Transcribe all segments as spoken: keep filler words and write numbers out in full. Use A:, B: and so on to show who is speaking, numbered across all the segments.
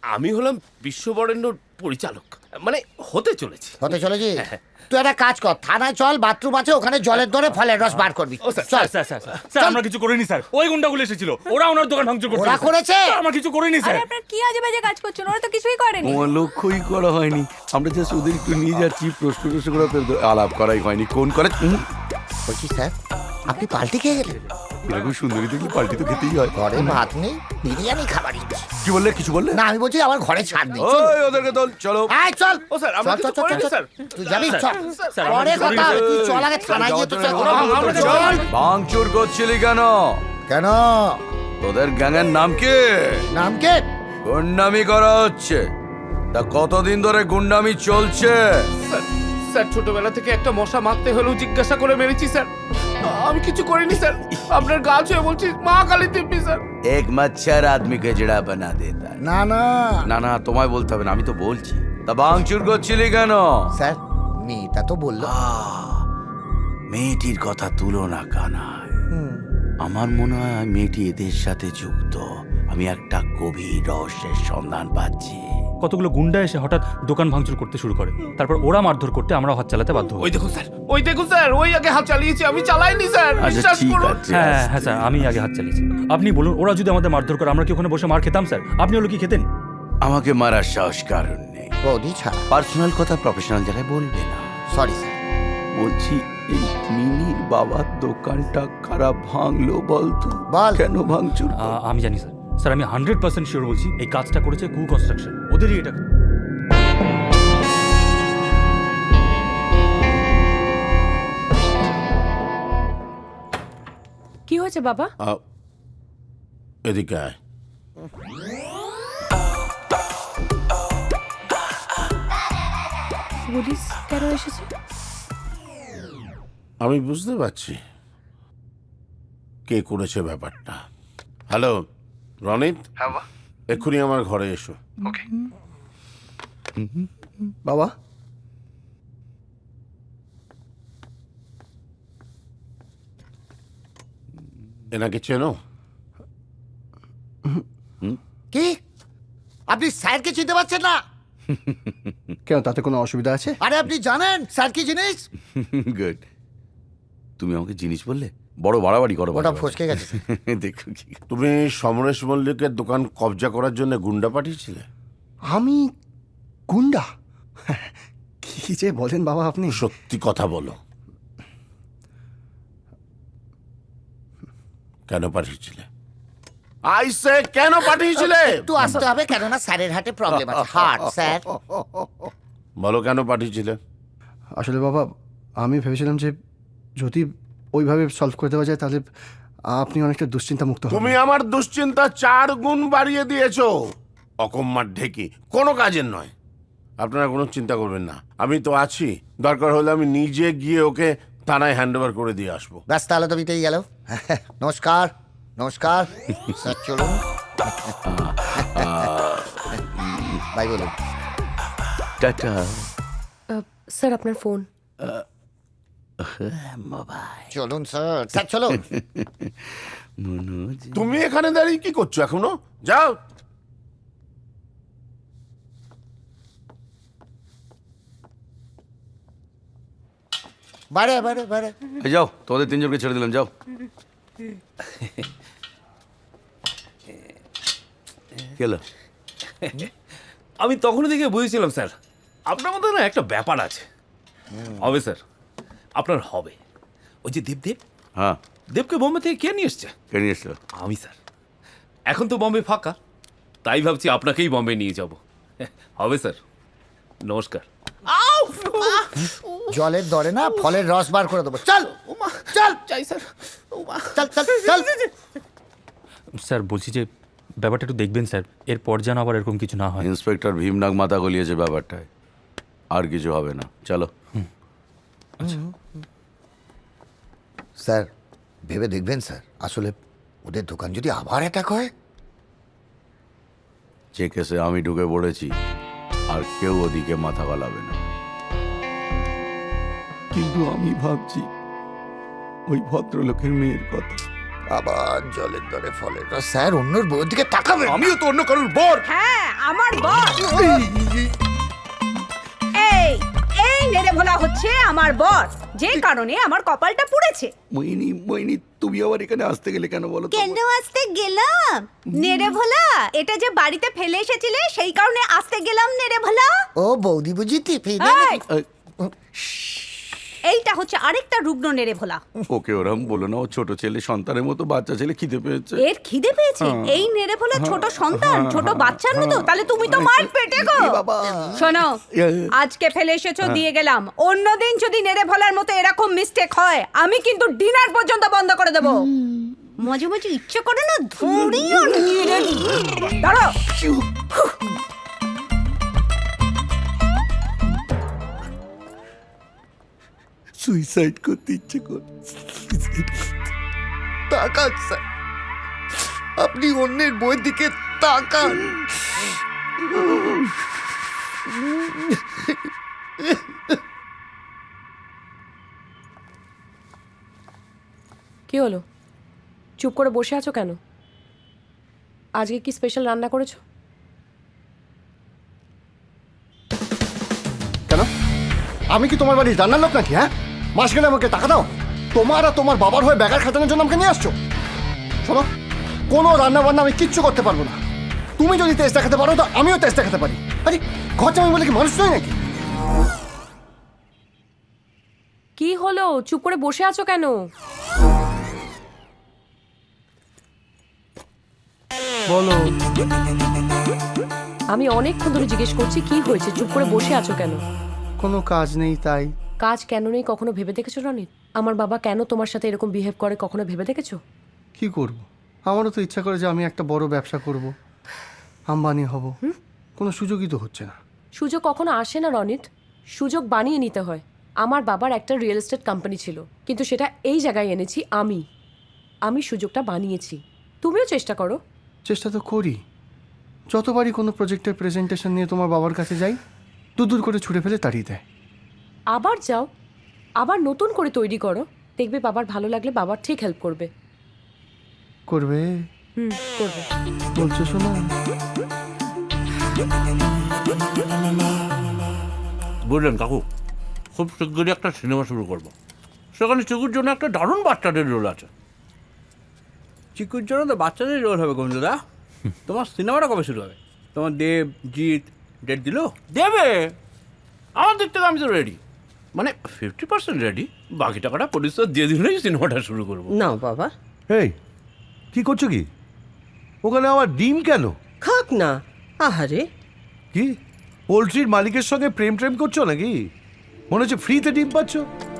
A: আমি হলাম বিশ্ববরেণ্যর পরিচালক, মানে হতে চলেছি।
B: হতে চলেছি? তুই একটা কাজ কর, থানায় চল, বাথরুম আছে ওখানে, জলের দরে ফলের রস বার করবি।
A: ও স্যার,
B: চল।
C: স্যার স্যার স্যার স্যার আমরা কিছু করিনি স্যার, ওই গুন্ডাগুলো এসেছিল, ওরা ওনার দোকান ভাঙচুর করতে
B: ওরা করেছে?
C: আমরা কিছু করিনি
D: আরে
C: স্যার।
D: আপনার কি আজে বাজে কাজ করছেন? ওরা তো কিছুই করেনি।
E: তোমার লক্ষ্যই করা হয়নি, আমরা জাস্ট ওদের একটু নিয়ে যাচ্ছি, প্রশ্ন টশ্ন করে ওদের আলাপ করাই হয়নি। কোন করে উম,
B: বলছি স্যার, আপনি পাল্টি খেয়ে গেলেন?
E: এরকম সুন্দরী দেখলে পাল্টি তো খেতেই হয়।
B: ঘরে ভাত নেই, বিরিয়ানি খাবার ইচ্ছে।
E: কি বললে, কিছু বললে?
B: না, আমি বলছি আমার ঘরে ছাড় নেই। চল।
E: ওই ওদেরকে তোল, চলো।
B: আয় চল।
A: ও স্যার, আমরা
B: চল,
A: কিছু
B: চল, চল,
A: করিনি
B: চল,
A: স্যার।
B: তুই যাবি? চল।
C: স্যার, আমরা
B: পরে
C: কিছু
B: কথা
C: করিনি,
B: হবে, তুই চল আগে থানায় গিয়ে তো চল।
E: চল। ভাঙচুর করছিলি কেন?
B: কেন?
E: তোদের গ্যাংয়ের নাম কি?
B: নাম কে?
E: গুন্ডামি করা হচ্ছে। তা কতদিন ধরে গুন্ডামি চলছে?
A: স্যার, স্যার ছোটবেলা থেকে একটা মশা মারতে হলেও জিজ্ঞাসা করে মেরেছি স্যার। আমি কিছু করিনি স্যার, আপনার গা ছুঁয়ে বলছি মা কালী দিব্যি স্যার।
E: এক মচ্ছর আদমিকে জড়া বানা দেতা।
B: না না
E: না না, তোমায় বলতে হবে না, আমি তো বলছি। তা ভাঙচুর করছিলি কেন?
B: স্যার, মেয়েটা তো বললো।
E: আহ, মেয়েটির কথা তুলো না কানায়। আমার মনে হয় মেয়েটি এদের সাথে যুক্ত। আমি একটা গভীর রহস্যের সন্ধান পাচ্ছি।
C: কতগুলো গুন্ডা এসে হঠাৎ দোকান ভাঙচুর করতে শুরু করে, তারপর ওরা মারধর করতে আমরা হাত চালাতে বাধ্য হই।
A: ওই দেখুন স্যার, ওই দেখুন স্যার, ওই আগে হাত চালিয়েছি, আমি চালাইনি স্যার,
E: আচ্ছা
A: বিশ্বাস
E: ঠিক
A: করুন।
E: আছে।
C: হ্যাঁ হ্যাঁ স্যার, আমি আগে হাত চালিয়েছি। আপনি বলুন, ওরা যদি আমাদের মারধর করে আমরা কি ওখানে বসে মার খেতাম স্যার? আপনি হলো কি খেতেন?
E: আমাকে মারার সাহস কারণ নেই।
B: বৌদি ছাড়া।
E: পার্সোনাল কথা প্রফেশনাল জায়গায় বলবে না।
B: Sorry sir.
E: বলছি, এই মিনির বাবার দোকানটা খারাপ ভাঙলো বলতো?
B: বল।
E: কেন ভাঙচুর?
C: আ- আমি জানি স্যার। স্যার আমি হান্ড্রেড পার্সেন্ট শিওর বলছি, এই কাজটা করেছে কু কনস্ট্রাকশন, ওদেরই এটা।
D: কি হয়েছে বাবা?
F: এদিকে আয়।
D: পুলিশ কেন এসেছে?
F: আমি বুঝতে পারছি কে করেছে ব্যাপারটা। হ্যালো রনিত, এক্ষুনি আমার ঘরে এসো।
G: বাবা,
F: এনাকে চেনো?
B: কি? আপনি স্যারকে চিনতে পারছেন না?
G: কেন, তাতে কোনো অসুবিধা আছে?
B: আরে আপনি জানেন স্যার কি জিনিস?
E: গুড। তুমি আমাকে জিনিস বললে, বড় বাড়াবাড়ি করো।
B: ওটা ফসকে গেছে।
E: দেখো কি।
F: তুমি সমরেশ মল্লিকের দোকান কবজা করার জন্য গুন্ডা পাঠিয়েছিলে?
G: আমি গুন্ডা? কি যে বলেন বাবা আপনি।
F: সত্যি কথা বলো, কেন পাঠিয়েছিলে? আইসে কেন পাঠিয়েছিলে?
B: একটু আসতে হবে, কেননা স্যারের হাটে প্রবলেম আছে, হার্ট স্যার।
F: বলো কেন পাঠিয়েছিলে?
G: আসলে বাবা, আমি ভেবেছিলাম যে যদি ওইভাবে সলভ করে দেওয়া যায় তাহলে আপনি অনেকটা দুশ্চিন্তা মুক্ত
F: তুমি
G: হবেন।
F: আমার দুশ্চিন্তা চার গুণ বাড়িয়ে দিয়েছো। অকম্মার ঢেকি, কোনো কাজের নয়। আপনারা কোনো চিন্তা করবেন না, আমি তো আছি। দরকার হলে আমি নিজে গিয়ে ওকে থানায় হ্যান্ড ওভার করে দিয়ে আসবো।
B: ব্যাস, তাহলে তো মিটেই গেল। নমস্কার। নমস্কার স্যার, চলুন। ভাই বলুন।
E: টাটা।
D: স্যার আপনার ফোন।
E: মোবাইল।
B: চলুন স্যার, স্যার চলুন।
E: মনোজ।
F: তুমি এখানে দাঁড়িয়ে কি করছো এখনো? যাও।
B: বারে বারে বারে।
E: এই যাও, তোমাদের তিনজনকে ছেড়ে দিলাম, যাও। গেল।
A: আমি তখনই দেখে বুঝেছিলাম স্যার, আপনার মধ্যে না একটা ব্যাপার আছে। হবে স্যার, আপনার হবে। ওই যে দেবদেব,
E: হ্যাঁ,
A: দেবকে বোম্বে থেকে কে নিয়ে এসছে?
E: কে নিয়ে এসছো?
A: আমি স্যার। এখন তো বম্বে ফাঁকা, তাই ভাবছি আপনাকেই বম্বে নিয়ে যাব। হবে স্যার, নমস্কার।
B: জলের দরে না ফলের রস বার করে দেবো। চল চল
A: চাই স্যার।
B: চল চল চল।
C: স্যার বলছি যে ব্যাপারটা একটু দেখবেন স্যার, এরপর যেন আবার এরকম কিছু না হয়।
E: ইন্সপেক্টর ভীমনাগ মাথা গলিয়েছে ব্যাপারটায়, আর কিছু হবে না, চলো।
B: স্যার ভেবে দেখবেন স্যার, আসলে ওদের দোকান যদি আবার অ্যাটাক হয়।
E: যে কেসে আমি ঢুকে পড়েছি, আর কেউ ওদিকে মাথা গলাবে না। কিন্তু আমি ভাবছি ওই ভদ্রলোকের মেয়ের কথা।
B: আবার জলের দরে ফলের রস। স্যার অন্যর বউয়ের দিকে তাকাবে
A: আমিও তো অন্য কারোর বর।
H: হ্যাঁ আমার বর। এই এই নেড়ে ভোলা হচ্ছে আমার বর, যে কারণে আমার কপালটা পুড়েছে।
E: মইনি মইনি তুমি আবার এখানে আসতে গেলে কেন বলো তো?
H: কেন আসতে গেলাম নেড়ে ভোলা? এটা যে বাড়িতে ফেলে এসেছিলে সেই কারণে আসতে গেলাম নেড়ে ভোলা।
B: ও বৌদি বুঝি টিপি
H: এই, এইটা হচ্ছে আরেকটা রুগ্ন নেড়ে ভোলা।
E: ওকে ওরম বলো না, ও ছোট ছেলে, সন্তানের মতো বাচ্চা ছেলে, খিদে পেয়েছে।
H: এর খিদে পেয়েছে? এই নেড়ে ভোলা ছোট সন্তান, ছোট বাচ্চার মতো? তাহলে তুমি তো মার পেটে গো। শোনো, আজকে ফেলে এসেছো দিয়ে গেলাম, অন্যদিন যদি নেড়ে ভোলার মতো এরকম মিস্টেক হয় আমি কিন্তু ডিনার পর্যন্ত বন্ধ করে দেবো। মাঝে মাঝে ইচ্ছে করে না ধরিও নেড়ে দিই। দাঁড়াও।
E: সুইসাইড করতে ইচ্ছে কর।
B: তাকান স্যার, আপনি অন্যের বইয়ের দিকে তাকান।
D: কি হলো, চুপ করে বসে আছো কেন? আজকে কি স্পেশাল রান্না করেছো?
G: কেন? আমি কি তোমার বাড়ির রান্নার লোক নাকি? হ্যাঁ, মাস গেলে আমাকে টাকা দাও। তোমার আর তোমার বাবার হয়ে বেকার খাটানোর জন্য আমাকে নিয়ে আসছো। শোনো, কোনো রান্না বান্না আমি কিচ্ছু করতে পারবো না। তুমি যদি তেজ দেখাতে পারো তো আমিও তেজ দেখাতে পারি। আরে ঘর জামাই বলে কি মানুষ নয় নাকি?
D: কি হলো, চুপ করে বসে আছো কেন?
G: বলো।
D: আমি অনেকক্ষণ ধরে জিজ্ঞেস করছি কি হয়েছে, চুপ করে বসে আছো কেন?
G: কোনো কাজ নেই তাই।
D: কাজ কেন নেই কখনো ভেবে দেখেছো রনিত? আমার বাবা কেন তোমার সাথে এরকম বিহেভ করে কখনো ভেবে দেখেছো?
G: কি করব? আমারও তো ইচ্ছা করে যে আমি একটা বড় ব্যবসা করব, আম্বানি হব। কোনো সুযোগই তো হচ্ছে না।
D: সুযোগ কখনো আসে না রনিত, সুযোগ বানিয়ে নিতে হয়। আমার বাবার একটা রিয়েল এস্টেট কোম্পানি ছিল, কিন্তু সেটা এই জায়গায় এনেছি আমি। আমি সুযোগটা বানিয়েছি, তুমিও চেষ্টা করো।
G: চেষ্টা তো করি। যতবারই কোনো প্রজেক্টের প্রেজেন্টেশন নিয়ে তোমার বাবার কাছে যাই, দূর দূর করে ছুটে ফেলে তাড়িয়ে দেয়।
D: আবার যাও, আবার নতুন করে তৈরি করো, দেখবে বাবার ভালো লাগলে বাবার ঠিক হেল্প করবে।
G: করবে?
D: হুম, করবে।
G: বলছো শোনা।
A: বুঝলেন কাকু, খুব শীঘ্রই একটা সিনেমা শুরু করব। সেখানে চিকুর জন্য একটা দারুণ বাচ্চাদের রোল আছে।
I: চিকুর জন্য তো বাচ্চাদের রোল হবে গঞ্জুদা। তোমার সিনেমাটা কবে শুরু হবে? তোমার দেব জিৎ ডেট দিল?
A: দেবে, আমার দিক থেকে আমি তো রেডি, মানে ফিফটি পার্সেন্ট রেডি। বাকি টাকাটা প্রডিউসার দিয়ে দিলেই সিনেমাটা শুরু করবো।
J: নাও বাবা,
K: এই কি করছো কি ওখানে? আমার ডিম কেন?
J: খাক না। আহারে,
K: কি পোলট্রির মালিকের সঙ্গে প্রেম প্রেম করছো নাকি? মনে হচ্ছে ফ্রিতে ডিম পাচ্ছ।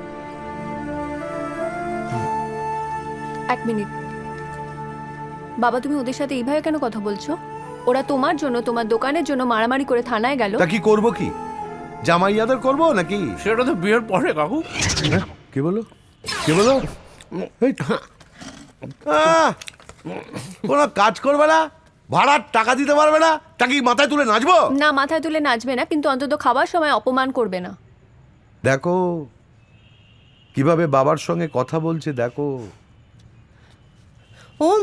L: এক মিনিট বাবা, তুমি ওদের সাথে এইভাবে কেন কথা বলছো? ওরা তোমার জন্য, তোমার দোকানের জন্য মারামারি করে থানায় গেল।
K: তা কি করবো? কি জামাই আদর করবো নাকি?
A: সেটা তো বিয়ের পরে কাকু।
K: হ্যাঁ, কি বলো কি বলো? এই, আহ, কোনো কাজ করবে না, ভাড়ার টাকা দিতে পারবে না, টাকি মাথায় তুলে নাচবো?
L: না, মাথায় তুলে নাচবে না, কিন্তু অন্তত খাবার সময় অপমান করবে না।
K: দেখো কিভাবে বাবার সঙ্গে কথা বলছে, দেখো।
J: ওম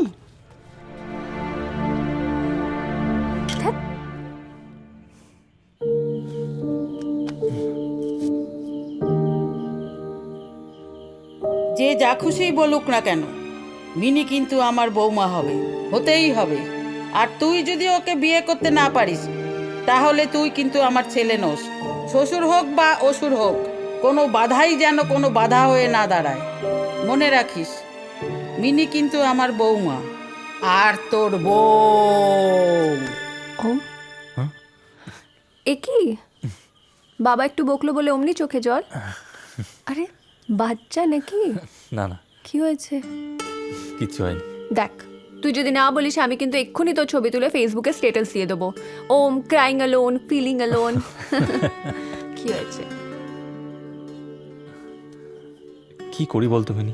M: যে যা খুশি বলুক না কেন, মিনি কিন্তু আমার বৌমা হবে, হতেই হবে। আর তুই যদি ওকে বিয়ে করতে না পারিস তাহলে তুই কিন্তু আমার ছেলে নোস। শ্বশুর হোক বা অসুর হোক, কোনো বাধাই যেন কোনো বাধা হয়ে না দাঁড়ায়। মনে রাখিস, মিনি কিন্তু আমার বৌমা আর তোর বউ।
L: ওম, এ কি বাবা একটু বকলো বলে অমনি চোখে জল? আরে বাচ্চা নাকি?
C: না না,
L: কি হয়েছে?
C: কিচ্ছু হয়নি।
L: দেখ, তুই যদি না বলিস আমি কিন্তু এক্ষুনি তোর ছবি তুলে ফেসবুকে স্ট্যাটাস দিয়ে দেবো। Um crying alone, feeling alone. কি হয়েছে?
C: কি করি বলতো মিনি?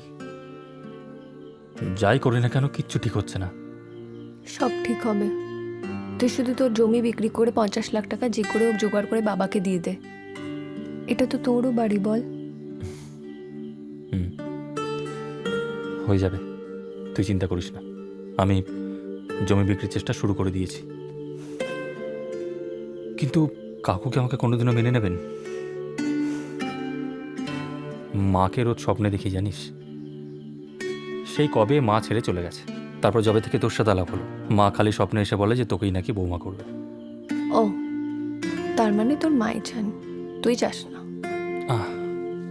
C: যাই করি না কেন কিচ্ছু ঠিক হচ্ছে না।
L: সব ঠিক হবে। তুই শুধু তোর জমি বিক্রি করে পঞ্চাশ লাখ টাকা যে করে হোক জোগাড় করে বাবাকে দিয়ে দে। এটা তো তোরও বাড়ি, বল।
C: হুম, হয়ে যাবে। তুই চিন্তা করিস না, আমি জমি বিক্রির চেষ্টা শুরু করে দিয়েছি। কিন্তু কাকু কি আমাকে কোনোদিনও মেনে নেবেন? মাকে রোজ স্বপ্নে দেখি জানিস। সেই কবে মা ছেড়ে চলে গেছে, তারপর যবে থেকে তোর সাথে আলাপ হলো, মা খালি স্বপ্নে এসে বলে যে তোকেই নাকি বৌমা করবে।
L: ও, তার মানে তোর মাই চান, তুই চাস না?
C: আহ,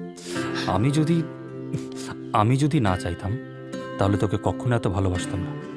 C: আমি যদি আমি যদি না চাইতাম তাহলে তোকে কখনো এত ভালোবাসতাম না।